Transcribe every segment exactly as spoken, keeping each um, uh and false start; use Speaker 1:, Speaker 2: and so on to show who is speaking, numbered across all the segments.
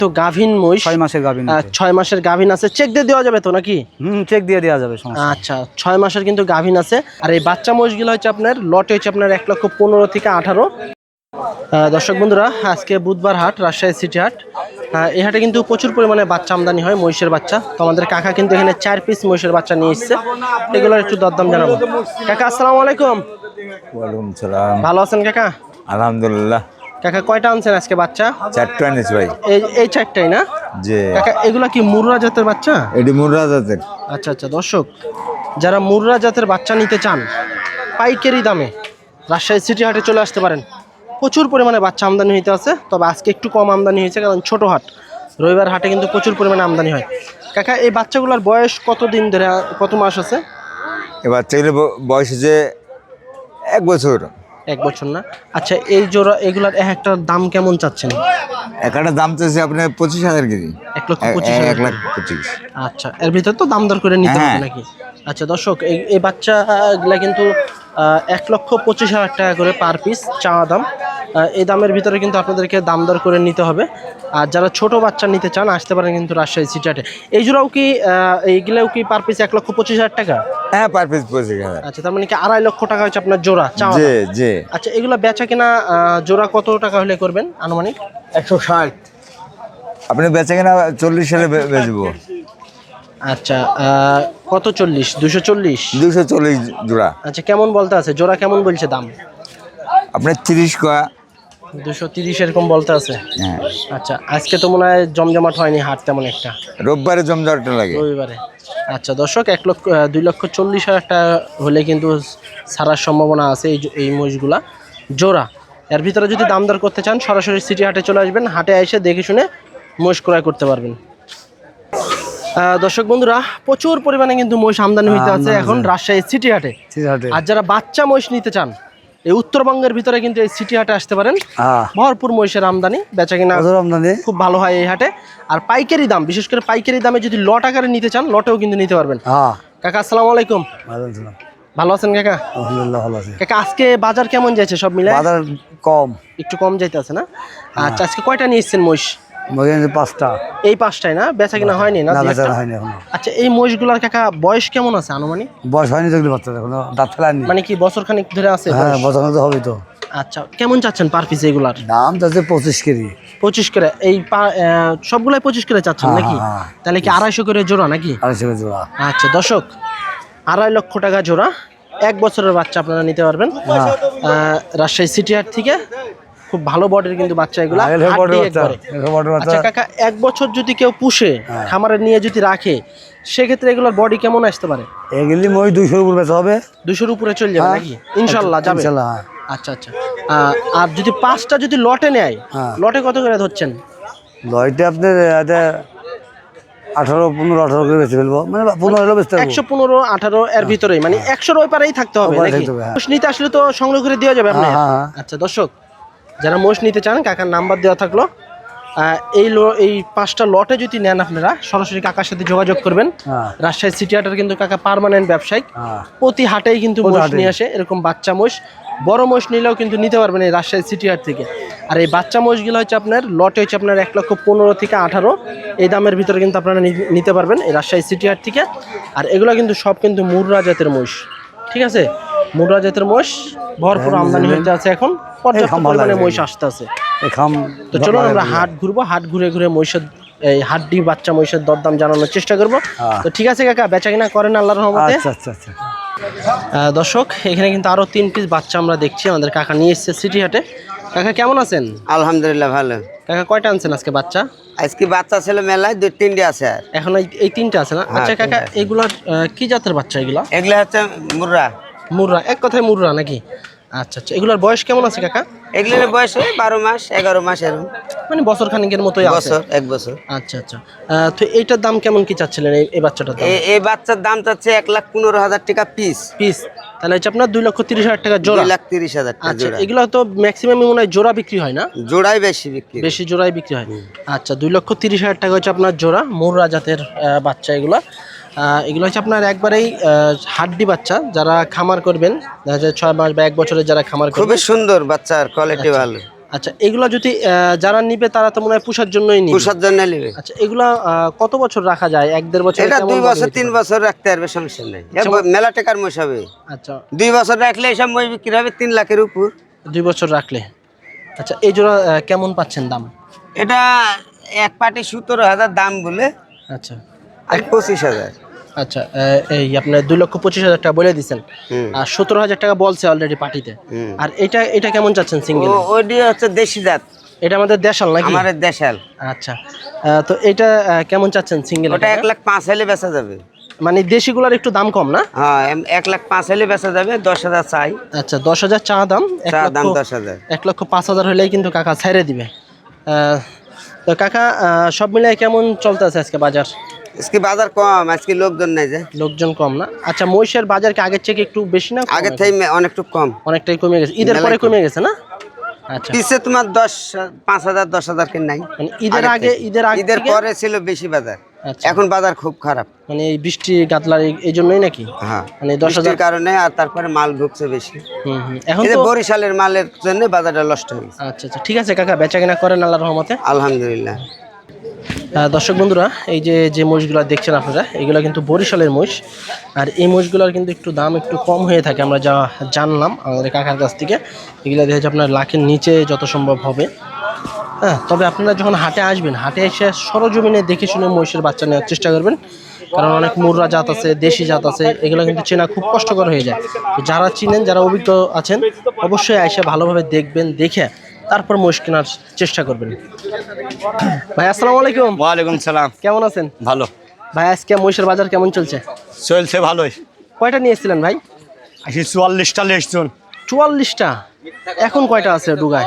Speaker 1: তো গাভীন মহিষ,
Speaker 2: ছয় মাসের গাভীন,
Speaker 1: ছয় মাসের গাভীন আছে। চেক দিয়ে দেওয়া যাবে তো নাকি?
Speaker 2: হুম, চেক দিয়ে দেওয়া যাবে।
Speaker 1: আচ্ছা, ছয় মাসের কিন্তু গাভীন আছে। আর এই বাচ্চা মহিষগুলো হচ্ছে আপনার লটে হচ্ছে আপনার এক লক্ষ পনেরো থেকে আঠারো। দর্শক বন্ধুরা, আজকে বুধবার হাট, রাজশাহী সিটি হাট। এই হাটে কিন্তু প্রচুর পরিমাণে বাচ্চা আমদানি হয়, মহিষের বাচ্চা। তো আমাদের কাকা কিন্তু এখানে চার পিস মহিষের বাচ্চা নিয়ে এসছে, এগুলোর একটু দরদাম জানাবো। কাকা আসসালামু আলাইকুম।
Speaker 3: ওয়ালাইকুম সালাম।
Speaker 1: ভালো আছেন কাকা?
Speaker 3: আলহামদুলিল্লাহ।
Speaker 1: কাকা কয়টা আনছেন আজকে বাচ্চা?
Speaker 3: চারটা এনেছি ভাই।
Speaker 1: এই এই চারটাই না?
Speaker 3: জি।
Speaker 1: কাকা এগুলা কি মুর্রা জাতের বাচ্চা?
Speaker 3: এটি মুর্রা জাতের।
Speaker 1: আচ্ছা আচ্ছা, দর্শক যারা মুর্রা জাতের বাচ্চা নিতে চান পাইকারি দামে রাজশাহী সিটি হাটে চলে আসতে পারেন। প্রচুর পরিমাণে বাচ্চা আমদানি হইতে আছে, তবে আজকে একটু কম আমদানি হয়েছে কারণ ছোট হাট। রবিবার হাটে কিন্তু প্রচুর পরিমাণে আমদানি হয়। কাকা এই বাচ্চাগুলোর বয়স কত দিন ধরে, কত মাস আছে?
Speaker 3: এই বাচ্চাগুলো বয়স হচ্ছে এক বছর।
Speaker 1: এক বছর না? আচ্ছা, এই জোড়া এগুলার এক একটার দাম কেমন চাচ্ছেন?
Speaker 3: একটা দাম চাইছে আপনার পঁচিশ হাজার কেজি।
Speaker 1: এক লক্ষ পঁচিশ
Speaker 3: এক
Speaker 1: হাজার
Speaker 3: লাখ পঁচিশ।
Speaker 1: আচ্ছা, এর ভিতরে তো দাম দর করে নিতে হবে নাকি? আচ্ছা দর্শক, এই এই বাচ্চাগুলা কিন্তু এক লক্ষ পঁচিশ হাজার টাকা করে পার পিস চাওয়া দাম। এই দামের ভিতরে কিন্তু আপনাদেরকে দাম দর করে নিতে হবে। আর যারা ছোট বাচ্চা নিতে চান আসতে পারেন কিন্তু রাজশাহী সিটি হাটে। এই জোড়াও কি এইগুলাও কি পার পিস এক লক্ষ পঁচিশ হাজার টাকা?
Speaker 3: হ্যাঁ, পার পিস পঁচিশ হাজার।
Speaker 1: আচ্ছা, তার মানে কি আড়াই লক্ষ টাকা হচ্ছে আপনার জোড়া চাওয়া?
Speaker 3: জি জি।
Speaker 1: আচ্ছা, এগুলো বেচা কিনা জোড়া কত টাকা হলে করবেন আনুমানিক?
Speaker 3: একশো ষাট। আপনি বেচে কিনা চল্লিশ সালে বেচবো।
Speaker 1: আচ্ছা, কত? চল্লিশ? দুশো চল্লিশ?
Speaker 3: দুশো চল্লিশ জোড়া।
Speaker 1: আচ্ছা, কেমন বলতে আছে জোড়া, কেমন বলছে দাম?
Speaker 3: আপনার তিরিশ কয়া
Speaker 1: দুশো তিরিশ এরকম বলতে আছে।
Speaker 3: হ্যাঁ।
Speaker 1: আচ্ছা, আজকে তো মনে হয় জমজমাট হয়নি হাট তেমন একটা।
Speaker 3: রোববারে জমজমাটটা লাগে।
Speaker 1: রবিবারে। আচ্ছা দর্শক, এক লক্ষ দুই লক্ষ চল্লিশ হাজার টাকা হলে কিন্তু ছাড়ার সম্ভাবনা আছে এই এই মহিষগুলা জোড়া। এর ভিতরে যদি দাম দর করতে চান সরাসরি সিটি হাটে চলে আসবেন, হাটে এসে দেখে শুনে মহিষ ক্রয় করতে পারবেন। দর্শক বন্ধুরা, প্রচুর পরিমাণে কিন্তু মহিষ আমদানি হইতে আছে এখন রাজশাহী সিটি হাটে। আর যারা বাচ্চা মহিষ নিতে চান এই উত্তরবঙ্গের ভিতরে কিন্তু এই সিটি হাটে আসতে পারেন। ভরপুর মহিষের আমদানি, বেচা কিনা খুব ভালো হয় এই হাটে। আর পাইকারি দাম, বিশেষ করে পাইকারি দামে যদি লট আকারে নিতে চান লটেও কিন্তু নিতে পারবেন। কাকা আসসালামু আলাইকুম। ভালো আছেন কাকা?
Speaker 2: আলহামদুলিল্লাহ ভালো আছি।
Speaker 1: কাকা আজকে বাজার কেমন যাচ্ছে সব মিলে?
Speaker 2: বাজার কম,
Speaker 1: একটু কম যাইতে আছে না? আচ্ছা, আজকে কয়টা নিয়ে এসেছেন মহিষ?
Speaker 2: পাঁচটা।
Speaker 1: এই পাঁচটায় না? বেচা কিনা হয়নি না? আচ্ছা, এই মহিষগুলার কাকা বয়স কেমন আছে আনুমানিক?
Speaker 2: বয়স হয়নি তো, বাচ্চা এখনো দাঁত ফেলায়নি।
Speaker 1: মানে কি বছর খানিক ধরে আছে?
Speaker 2: হ্যাঁ, বছর খানিক তো হবে তো।
Speaker 1: আচ্ছা, কেমন চাচ্ছেন পার পিস এগুলার
Speaker 2: দাম? চাচ্ছে পঁচিশ কেজি।
Speaker 1: পঁচিশ করে? এই সবগুলাই পঁচিশ করে চাচ্ছেন নাকি? তাহলে কি আড়াইশো করে জোড়া নাকি?
Speaker 2: আড়াইশো করে জোড়া।
Speaker 1: আচ্ছা দর্শক, আড়াই লক্ষ টাকা জোড়া, এক বছরের বাচ্চা আপনারা নিতে পারবেন রাজশাহী সিটি হাট থেকে। খুব ভালো বডির কিন্তু বাচ্চা এগুলো। আচ্ছা কাকা, এক বছর যদি কেউ পুষে খামারে নিয়ে যদি রাখে সেক্ষেত্রে এগুলোর বডি কেমন আসতে পারে?
Speaker 2: এগুলি মই দুইশোর উপরে বেচা হবে।
Speaker 1: দুইশোর উপরে চলে যাবে নাকি? ইনশাল্লাহ যাবে। আচ্ছা আচ্ছা, আর যদি পাঁচটা যদি লটে নেয়, লটে কত করে ধরছেন?
Speaker 2: লটে আপনার আঠারো পনেরো আঠারো করে বেঁচে ফেলবো, মানে পনেরো বেচতে হবে।
Speaker 1: একশো পনেরো আঠারো এর ভিতরেই, মানে একশোর ওই পারেই থাকতে হবে নাকি? মোষ নিতে আসলে তো সংগ্রহ করে দেওয়া যাবে আপনার? আচ্ছা দর্শক, যারা মোষ নিতে চান কাকার নাম্বার দেওয়া থাকলো। এই এই পাঁচটা লটে যদি নেন আপনারা সরাসরি কাকার সাথে যোগাযোগ করবেন। রাজশাহী সিটি হাটের কিন্তু কাকা পার্মানেন্ট ব্যবসায়িক, প্রতি হাটেই কিন্তু মোষ নিয়ে আসে এরকম বাচ্চা মোষ। বড় মোষ নিলেও কিন্তু নিতে পারবেন এই রাজশাহী সিটি হাট থেকে। আর এই বাচ্চা মোষগুলো হচ্ছে আপনার লটে হচ্ছে আপনার এক লক্ষ পনেরো থেকে আঠারো এই দামের ভিতরে কিন্তু আপনারা নিতে পারবেন এই রাজশাহী সিটি হাট থেকে। আর এগুলো কিন্তু সব কিন্তু মুর্রা জাতের মোষ, ঠিক আছে? মুর্রা জাতের মোষ ভরপুর আমদানি হইতে আছে এখন, পর্যাপ্ত পরিমাণে মহিষ আসতে আছে। তো চলুন আমরা হাট ঘুরবো, হাট ঘুরে ঘুরে মহিষের এই হাড্ডি বাচ্চা মহিষের দরদাম জানানোর চেষ্টা করবো। তো ঠিক আছে কাকা, বেচা কিনা করেন আল্লাহর রহমতে। দর্শক, এখানে কিন্তু আরো তিন পিস বাচ্চা আমরা দেখছি আমাদের কাকা নিয়ে এসেছে সিটি হাটে। কাকা কেমন আছেন?
Speaker 4: আলহামদুলিল্লাহ ভালো।
Speaker 1: কাকা কয়টা আনছেন আজকে বাচ্চা?
Speaker 4: আজকে বাচ্চা ছিল মেলায় দুই তিনটে আছে।
Speaker 1: এখন এই তিনটে আছে না? আচ্ছা কাকা, এগুলা কি জাতের বাচ্চা এগুলা?
Speaker 4: এগুলা হচ্ছে মুর্রা।
Speaker 1: মুর্রা, এক কথায় মুর্রা নাকি? আচ্ছা আচ্ছা, এগুলার বয়স কেমন আছে কাকা?
Speaker 4: এগুলোর বয়স বারো মাস এগারো মাস এরকম,
Speaker 1: মানে বছর খানিকের মতোই আছে।
Speaker 4: বছর এক বছর।
Speaker 1: আচ্ছা আচ্ছা, তো এইটার দাম কেমন কি চাচ্ছিলেন এই বাচ্চাটার দাম?
Speaker 4: এই বাচ্চার দাম চাচ্ছে এক লাখ পনেরো হাজার টাকা পিস।
Speaker 1: পিস তাহলে হচ্ছে আপনার দুই লক্ষ তিরিশ হাজার টাকা জোড়া।
Speaker 4: দুই লাখ তিরিশ হাজার টাকা।
Speaker 1: আচ্ছা, এগুলো তো ম্যাক্সিমাম মনে হয় জোড়া বিক্রি হয় না?
Speaker 4: জোড়াই বেশি বিক্রি,
Speaker 1: বেশি জোড়াই বিক্রি হয়। আচ্ছা, দুই লক্ষ তিরিশ হাজার টাকা হচ্ছে আপনার জোড়া মুর্রা জাতের বাচ্চা এগুলো। এগুলো হচ্ছে আপনার একবারেই হাড্ডি বাচ্চা, যারা খামার করবেন দেখা যায় ছয় মাস বা এক বছরের যারা খামার করবেন।
Speaker 4: খুবই সুন্দর বাচ্চার কোয়ালিটি ভালো।
Speaker 1: আচ্ছা এগুলা যদি আহ, যারা নিবে তারা তো মনে হয় পুষার জন্যই নিবে।
Speaker 4: পুষার জন্য নেবে।
Speaker 1: আচ্ছা এগুলা আহ, কত বছর রাখা যায়? এক দেড় বছর?
Speaker 4: এটা দুই বছর তিন বছর রাখতে পারবে, সমস্যা নেই। এ মেলা টাকার মহিষ হবে।
Speaker 1: আচ্ছা
Speaker 4: দুই বছর রাখলে এসব মহিষ বিক্রি হবে তিন লাখের উপর।
Speaker 1: দুই বছর রাখলে। আচ্ছা এই জোড়া আহ, কেমন পাচ্ছেন দাম?
Speaker 4: এটা এক পাটি সতেরো হাজার দাম বলে,
Speaker 1: আচ্ছা
Speaker 4: আর পঁচিশ হাজার।
Speaker 1: আচ্ছা আহ, এই আপনার দুই লক্ষ পঁচিশ হাজার টাকা বলে দিচ্ছেন,
Speaker 4: হুম।
Speaker 1: আর সতেরো হাজার টাকা বলছে অলরেডি পার্টিতে।
Speaker 4: হুম।
Speaker 1: আর এটা এটা কেমন চাচ্ছেন সিঙ্গেল?
Speaker 4: ও ওইটি হচ্ছে দেশি জাত,
Speaker 1: এটা আমাদের দেশাল নাকি?
Speaker 4: আমার দেশাল।
Speaker 1: আচ্ছা আহ, তো এটা আহ, কেমন চাচ্ছেন সিঙ্গেল?
Speaker 4: ওটা এক লাখ পাঁচ হলে বেচা যাবে।
Speaker 1: মানে দেশিগুলার একটু দাম কম না?
Speaker 4: হ্যাঁ এম- এক লাখ পাঁচ হলে বেচা যাবে, দশ হাজার চাই।
Speaker 1: আচ্ছা দশ হাজার চা দাম, এক
Speaker 4: চা দাম
Speaker 1: লক্ষ
Speaker 4: দশ হাজার।
Speaker 1: এক লক্ষ পাঁচ হাজার হলেই কিন্তু কাকা ছেড়ে দিবে। আহ, তো কাকা আহ, সব মিলিয়ে কেমন চলতে আছে আজকে বাজার?
Speaker 4: আজকে বাজার কম, আজকে লোকজন নাই যে।
Speaker 1: লোকজন কম না? আচ্ছা মহিষের বাজার কি আগের থেকে একটু বেশি না কম?
Speaker 4: আগের থেকে মে- অনেকটু কম।
Speaker 1: অনেকটাই কমে গেছে, ঈদের
Speaker 4: মেলায়
Speaker 1: পরে
Speaker 4: কম।
Speaker 1: কমে গেছে না? আচ্ছা
Speaker 4: পিছে তোমার দশ পাঁচ হাজার দশ হাজার কে নাই।
Speaker 1: মানে ঈদের
Speaker 4: আগের
Speaker 1: আগে
Speaker 4: থেকে।
Speaker 1: ঈদের আগে
Speaker 4: ঈদের
Speaker 1: থেকে-
Speaker 4: পরে ছিল বেশি বাজার,
Speaker 1: আচ্ছা।
Speaker 4: এখন বাজার খুব খারাপ।
Speaker 1: মানে এই বৃষ্টি গাতলার এই- এই জন্যই নাকি?
Speaker 4: হ্যাঁ
Speaker 1: মানে দশ হাজার
Speaker 4: বৃষ্টির কারণে, আর তারপরে মাল ঢুকছে বেশি।
Speaker 1: হুম হুম এখন
Speaker 4: এই যে
Speaker 1: তো
Speaker 4: বরিশালের মালের জন্য বাজারটা নষ্ট হয়েছে।
Speaker 1: আচ্ছা আচ্ছা ঠিক আছে কাকা, বেচা কেনা করেন আল্লাহর রহমতে।
Speaker 4: আলহামদুলিল্লাহ।
Speaker 1: আহ, দর্শক বন্ধুরা এই যে যে মহিষগুলো দেখছেন আপনারা, এগুলো কিন্তু বরিশালের মহিষ। আর এই মহিষগুলোর কিন্তু একটু দাম একটু কম হয়ে থাকে, আমরা যা জানলাম আমাদের কাকার কাছ থেকে। এগুলো দেখে আপনার লাখের নিচে যত সম্ভব হবে। হ্যাঁ তবে আপনারা যখন হাটে আসবেন, হাটে এসে সরজমিনে দেখে শুনে মহিষের বাচ্চা নেওয়ার চেষ্টা করবেন, কারণ অনেক মুররা জাত আছে, দেশি জাত আছে, এগুলো কিন্তু চেনা খুব কষ্টকর হয়ে যায়। তো যারা চিনেন, যারা অভিজ্ঞ আছেন, অবশ্যই এসে ভালোভাবে দেখবেন, দেখে তারপর মহিষ কেনার চেষ্টা করবেন। ভাই আসসালামু আলাইকুম।
Speaker 5: ওয়ালাইকুম সালাম।
Speaker 1: কেমন আছেন?
Speaker 5: ভালো
Speaker 1: ভাই আজকে মহিষের বাজার কেমন চলছে?
Speaker 5: চলছে ভালোই।
Speaker 1: কয়টা নিয়ে এসেছিলেন ভাই?
Speaker 5: আসি চুয়াল্লিশটা লেসছুন।
Speaker 1: চুয়াল্লিশটা? এখন কয়টা আছে ডুগায়?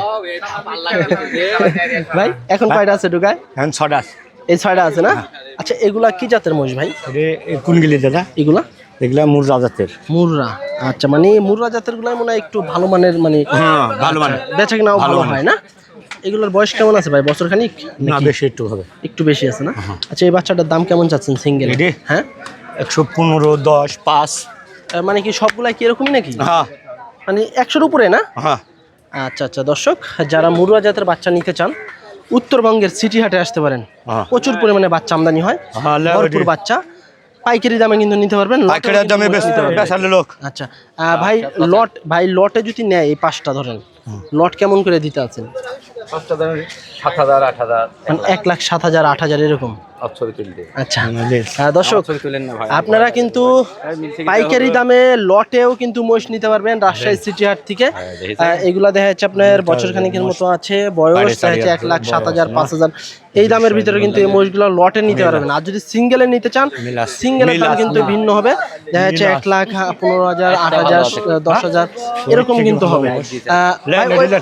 Speaker 1: ভাই এখন কয়টা আছে ডুগায়?
Speaker 5: এখন ছটা।
Speaker 1: এই ছয়টা আছে না? আচ্ছা এগুলা কি জাতের মহিষ ভাই?
Speaker 5: কোন গিলি দাদা?
Speaker 1: এগুলা
Speaker 5: এগুলা মুর রাজাতের।
Speaker 1: মুররা। আচ্ছা মানে মুররা জাতের গুলাই মনে হয় একটু ভালো মানের, মানে
Speaker 5: হ্যাঁ ভালো মানে
Speaker 1: বেচা কেনাও ভালো হয় না? এগুলোর বয়স কেমন আছে ভাই? বছর খানিক?
Speaker 5: না বেশি একটু হবে।
Speaker 1: একটু বেশি আছে না? আচ্ছা এই বাচ্চাটার দাম কেমন চাচ্ছেন সিঙ্গেল?
Speaker 5: এটি?
Speaker 1: হ্যাঁ
Speaker 5: একশো পনেরো দশ পাঁচ।
Speaker 1: আহ, মানে কি সবগুলাই কি এরকমই নাকি?
Speaker 5: হ্যাঁ
Speaker 1: মানে একশোর উপরে না?
Speaker 5: হ্যাঁ
Speaker 1: আচ্ছা আচ্ছা দর্শক, যারা মুরুয়া জাতের বাচ্চা নিতে চান উত্তরবঙ্গের সিটি হাটে আসতে পারেন।
Speaker 5: হ্যাঁ।
Speaker 1: প্রচুর পরিমাণে বাচ্চা আমদানি হয়,
Speaker 5: হ্যাঁ, লে-
Speaker 1: ভরপুর বাচ্চা, পাইকারি দামে কিন্তু নিতে পারবেন। লটেও
Speaker 5: পাইকারি
Speaker 1: কিন্তু
Speaker 5: দামে
Speaker 1: নিতে পারবেন।
Speaker 5: বেচালে লোক।
Speaker 1: আচ্ছা আহ, ভাই লট, ভাই লটে যদি নেয় এই পাঁচটা ধরেন, লট কেমন করে দিতে আছেন?
Speaker 6: সাত হাজার আট হাজার
Speaker 1: মানে এক লাখ সাত হাজার আট হাজার এরকম?
Speaker 6: ছবি তুলতে
Speaker 1: আচ্ছা আহ, দর্শক
Speaker 6: ছবি তুলেন না ভাই।
Speaker 1: আপনারা কিন্তু পাইকারি দামে লটেও কিন্তু মহিষ নিতে পারবেন রাজশাহী সিটি হাট থেকে। আহ, এগুলা দেখা যাচ্ছে আপনার বছর খানিকের মতো আছে বয়স, দেখা যাচ্ছে এক লাখ সাত হাজার পাঁচ হাজার এই দামের ভিতরে কিন্তু এই মহিষগুলো লটে নিতে পারবেন। আর যদি সিঙ্গেলে নিতে চান, সিঙ্গেলের দাম কিন্তু ভিন্ন হবে, দেখা যাচ্ছে এক লাখ পনেরো হাজার আট হাজার দশ হাজার এরকম কিন্তু হবে। আহ, ভাই, ওই-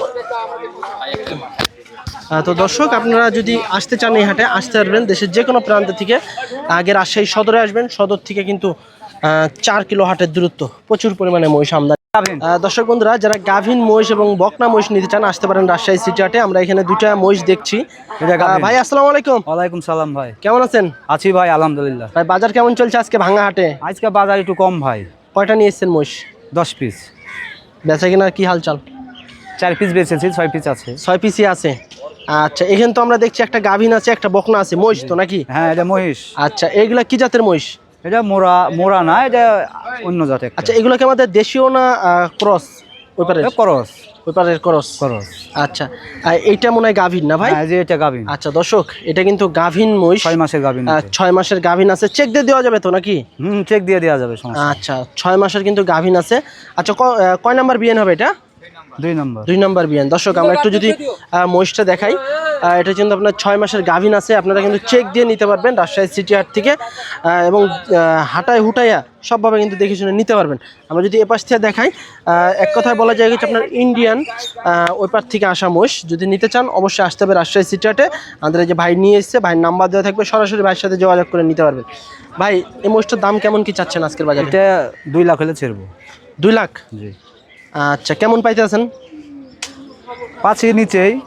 Speaker 1: আহ, তো দর্শক আপনারা যদি আসতে চান এই হাটে, আসতে পারবেন দেশের যে কোনো প্রান্ত থেকে। আগে রাজশাহী সদরে আসবেন, সদর থেকে কিন্তু আহ, চার কিলো হাটের দূরত্ব, প্রচুর পরিমাণে মহিষ আমদানি। আহ, দর্শক বন্ধুরা যারা গাভীন মহিষ এবং বকনা মহিষ নিতে চান আসতে পারেন রাজশাহী সিটি হাটে। আমরা এখানে দুইটা মহিষ দেখছি। আহ, ভাই আসসালামু আলাইকুম।
Speaker 7: ওয়ালাইকুম সালাম ভাই।
Speaker 1: কেমন আছেন?
Speaker 7: আছি ভাই আলহামদুলিল্লাহ।
Speaker 1: ভাই বাজার কেমন চলছে আজকে ভাঙা হাটে?
Speaker 7: আজকে বাজার একটু কম ভাই।
Speaker 1: কয়টা নিয়ে এসছেন মহিষ?
Speaker 7: দশ পিস।
Speaker 1: বেচা কিনার কি হালচাল?
Speaker 7: চার পিস বেচেছি, ছয় পিস আছে।
Speaker 1: ছয় পিসি আছে। আচ্ছা এখানে তো আমরা দেখছি একটা গাভীন আছে, একটা বকনা আছে, মহিষ তো নাকি?
Speaker 7: হ্যাঁ এটা মহিষ।
Speaker 1: আচ্ছা এইগুলা কি জাতের মহিষ?
Speaker 7: এটা মোরা মোরা না, এটা অন্য জাতের।
Speaker 1: আচ্ছা এগুলো কি আমাদের দেশীয় না ক্রস? ওই পারের
Speaker 7: করস
Speaker 1: ওই পারের ক্রস।
Speaker 7: করস।
Speaker 1: আচ্ছা আর এইটা মনে হয় গাভীন না ভাই?
Speaker 7: হ্যাঁ যে এটা গাভিন।
Speaker 1: আচ্ছা দর্শক এটা কিন্তু গাভীন মহিষ,
Speaker 7: ছয় মাসের গাভিন।
Speaker 1: আহ, ছয় মাসের গাভীন আছে। চেক দিয়ে দেওয়া যাবে তো নাকি?
Speaker 7: হুম চেক দিয়ে দেওয়া যাবে, সমস্যা নেই।
Speaker 1: আচ্ছা ছয় মাসের কিন্তু গাভীন আছে। আচ্ছা ক- আহ, কয় নাম্বার বিয়ান হবে এটা?
Speaker 7: দুই নম্বর।
Speaker 1: দুই নাম্বার বিয়ান। দর্শক আমরা একটু যদি আহ, মহিষটা দেখাই, আহ, এটা কিন্তু আপনার ছয় মাসের গাভীন আছে। আপনারা কিন্তু চেক দিয়ে নিতে পারবেন রাজশাহী সিটি হাট থেকে, আহ, এবং আহ, হাটায় হুটাইয়া সবভাবে কিন্তু দেখে শুনে নিতে পারবেন। আমরা যদি এপাশ থেকে দেখাই, আহ, এক কথায় বলা যায় হচ্ছে আপনার ইন্ডিয়ান ওই পার থেকে আসা মহিষ। যদি নিতে চান অবশ্যই আসতে হবে রাজশাহী সিটি হাটে। আমাদের এই যে ভাই নিয়ে এসছে, ভাইয়ের নাম্বার দেওয়া থাকবে, সরাসরি ভাইয়ের সাথে যোগাযোগ করে নিতে পারবেন। ভাই এই মহিষটার দাম কেমন কি চাচ্ছেন আজকের বাজারে?
Speaker 7: এটা দুই লাখ হলে ছেড়বো।
Speaker 1: দুই লাখ?
Speaker 7: জি।
Speaker 1: আচ্ছা কেমন পাইতে আছেন?
Speaker 7: পাঁচের নিচেই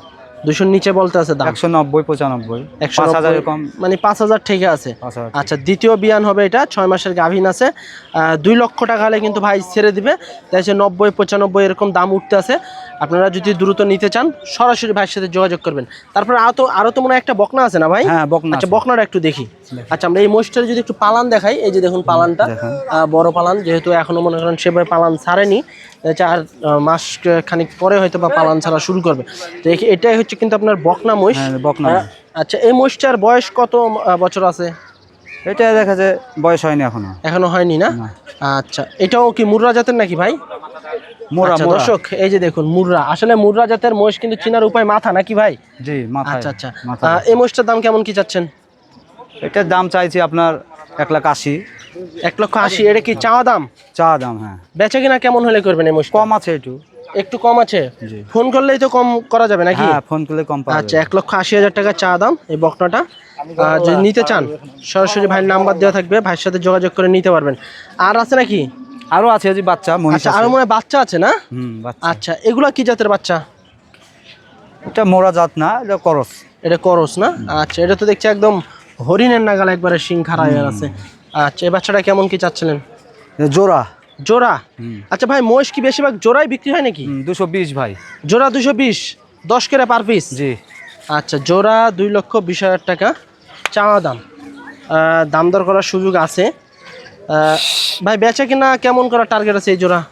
Speaker 1: দুশোর নিচে বলতে আছে দাম
Speaker 7: একশো নব্বই পঁচানব্বই
Speaker 1: একশো
Speaker 7: পাঁচ হাজার
Speaker 1: নব্বই,
Speaker 7: এরকম
Speaker 1: মানে পাঁচ হাজার থেকে আছে।
Speaker 7: পাঁচ হাজার
Speaker 1: আচ্ছা, দ্বিতীয় বিয়ান হবে এটা, ছয় মাসের গাভীন আছে। আহ, দুই লক্ষ টাকা হলে কিন্তু ভাই ছেড়ে দিবে। তাই হচ্ছে নব্বই পঁচানব্বই এরকম দাম উঠতে আছে। আপনারা যদি দ্রুত নিতে চান সরাসরি ভাইয়ের সাথে যোগাযোগ করবেন। তারপরে আরো তো আরো তো মনে হয় একটা বকনা আছে না ভাই?
Speaker 7: হ্যাঁ, বকনা
Speaker 1: আচ্ছা,
Speaker 7: আছে।
Speaker 1: বকনাটা একটু দেখি। আচ্ছা, আমরা এই মোষটার যদি একটু পালান দেখাই, এই যে দেখুন পালানটা,
Speaker 7: দেখান।
Speaker 1: আহ, বড় পালান, যেহেতু এখনো মনে করেন সেভাবে পালান ছাড়েনি, হচ্ছে আর আহ, মাস খানিক পরে হয়তো বা পালান ছাড়া শুরু করবে। তো এই- এটাই হচ্ছে কিন্তু আপনার বকনা মহিষ।
Speaker 7: হ্যাঁ, বকনা
Speaker 1: আহ,
Speaker 7: মহিষ।
Speaker 1: আচ্ছা, এই মহিষটার বয়স কত আহ, বছর আছে?
Speaker 7: এটা দেখা যায় বয়স হয়নি এখনো।
Speaker 1: এখনো হয়নি না? আচ্ছা, এটাও কি মুর্রা জাতের নাকি ভাই?
Speaker 7: মোরা
Speaker 1: আচ্ছা,
Speaker 7: মোরা
Speaker 1: দর্শক এই যে দেখুন মুর্রা, আসলে মুর্রা জাতের মহিষ কিন্তু চিনার উপায় মাথা নাকি ভাই?
Speaker 7: জি মাথা।
Speaker 1: আচ্ছা আচ্ছা,
Speaker 7: মাথা
Speaker 1: আহ, এই মহিষটার দাম কেমন কি চাচ্ছেন?
Speaker 7: এটার দাম চাইছি আপনার এক লাখ আশি।
Speaker 1: এক লক্ষ আশি, এটা কি চাওয়া দাম?
Speaker 7: চা দাম, হ্যাঁ
Speaker 1: বেচা কিনা কেমন হলে করবেন এই মহিষ?
Speaker 7: কম আছে একটু।
Speaker 1: একটু কম আছে,
Speaker 7: জি।
Speaker 1: ফোন করলেই তো কম করা যাবে নাকি?
Speaker 7: হ্যাঁ, ফোন করলে কম পাওয়া
Speaker 1: আচ্ছা,
Speaker 7: যাবে।
Speaker 1: এক লক্ষ আশি হাজার টাকা চা দাম এই বকনাটা। আহ, যদি নিতে চান সরাসরি ভাইয়ের নাম্বার দেওয়া থাকবে, ভাইয়ের সাথে যোগাযোগ করে নিতে পারবেন। আর আছে নাকি?
Speaker 7: আরো আছে যে বাচ্চা মহিষ
Speaker 1: আচ্ছা,
Speaker 7: আছে।
Speaker 1: আরো মনে হয় বাচ্চা আছে না?
Speaker 7: হুম, বাচ্চা।
Speaker 1: আচ্ছা, এগুলা কি জাতের বাচ্চা?
Speaker 7: এটা মোরা জাত না, এটা করস।
Speaker 1: এটা করস না? আচ্ছা, এটা তো দেখছি একদম হরিণের নাগাল একবারে শিং খাড়া হয়ে আছে। আচ্ছা, এই বাচ্চাটা কেমন কি চাচ্ছিলেন?
Speaker 7: এটা জোড়া
Speaker 1: জোড়া? আচ্ছা ভাই, মহিষ কি বেশিরভাগ জোড়াই বিক্রি হয় নাকি?
Speaker 7: দুশো বিশ ভাই।
Speaker 1: জোড়া দুশো বিশ, দশ করে পার পিস?
Speaker 7: জি।
Speaker 1: আচ্ছা, জোড়া দুই লক্ষ বিশ হাজার টাকা চাওয়া দাম। আহ, দাম দর করার সুযোগ আছে। আহ, ভাই বেচা কিনা কেমন করার টার্গেট আছে এই জোড়া?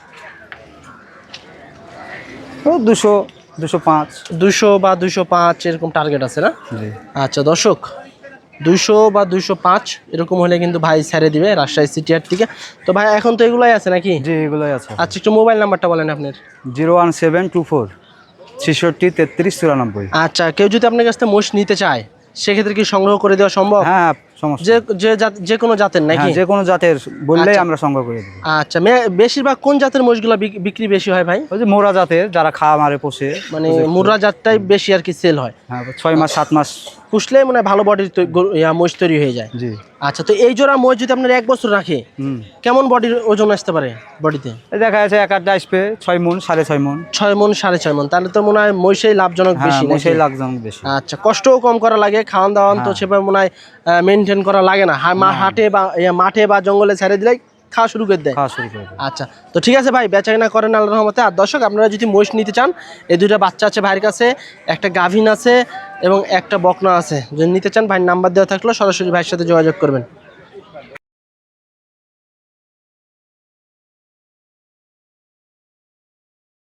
Speaker 7: ও দুশো দুশো পাঁচ।
Speaker 1: দুশো বা দুশো পাঁচ এরকম টার্গেট আছে না?
Speaker 7: জি।
Speaker 1: আচ্ছা দর্শক, দুইশো বা দুইশো পাঁচ এরকম হলে কিন্তু ভাই ছেড়ে দিবে রাজশাহী সিটিয়ার থেকে। তো ভাই এখন তো এগুলাই আছে নাকি?
Speaker 7: জি, এগুলোই আছে।
Speaker 1: আচ্ছা, একটু মোবাইল নাম্বারটা বলেন আপনার।
Speaker 7: Zero one seven two four ছেষট্টি তেত্রিশ চুরানব্বই।
Speaker 1: আচ্ছা, কেউ যদি আপনার কাছ থেকে মোষ নিতে চায় সেক্ষেত্রে কি সংগ্রহ করে দেওয়া সম্ভব?
Speaker 7: হ্যাঁ, সমস্যা।
Speaker 1: যে যে জাত- যে কোনো জাতের নাকি?
Speaker 7: হ্যাঁ, যে কোনো জাতের বললেই
Speaker 1: আচ্ছা।
Speaker 7: আমরা সংগ্রহ করে দেবো।
Speaker 1: আচ্ছা, মে- বেশিরভাগ কোন জাতের মোষগুলো বিক- বিক্রি বেশি হয় ভাই?
Speaker 7: ওই যে মোরা জাতের যারা খাওয়া মারে পোষে,
Speaker 1: মানে মুর্রা জাতটাই বেশি আর কি সেল হয়।
Speaker 7: হ্যাঁ, ছয় মাস সাত মাস।
Speaker 1: পুষলে মানে ভালো বডির মোষ তৈরি হয়ে যায়।
Speaker 7: জি।
Speaker 1: আচ্ছা, তো এই জোড়া মোষ যদি আপনার এক বছর রাখে
Speaker 7: হুম।
Speaker 1: কেমন বডির ওজন আসতে পারে বডিতে?
Speaker 7: এই দেখা যাচ্ছে এক আটটা আসবে ছয় মন সাড়ে ছয় মন।
Speaker 1: ছয় মন সাড়ে ছয় মন, তাহলে তো মনে হয় মহিষেই লাভজনক
Speaker 7: হ্যাঁ,
Speaker 1: বেশি নাকি?
Speaker 7: মশাই লাগজন বেশি।
Speaker 1: আচ্ছা, কষ্টও কম করা লাগে, খাওয়ান দাওয়ান তো সেভাবে মনে হয় মেনটেন করা লাগে না। হা- মা- হাটে বা ইয়া, মাঠে বা জঙ্গলে ছেড়ে দিলেই খাওয়া শুরু করে দেয়।
Speaker 7: খাওয়া শুরু করে দেবে।
Speaker 1: আচ্ছা, তো ঠিক আছে ভাই, বেচা কেনা করেন আল্লাহর রহমতে। আর দর্শক, আপনারা যদি মহিষ নিতে চান, এই দুইটা বাচ্চা আছে ভাইয়ের কাছে, একটা গাভিন আছে এবং একটা বকনা আছে। যদি নিতে চান ভাইয়ের নাম্বার দেওয়া থাকলো সরাসরি ভাইয়ের সাথে যোগাযোগ করবেন।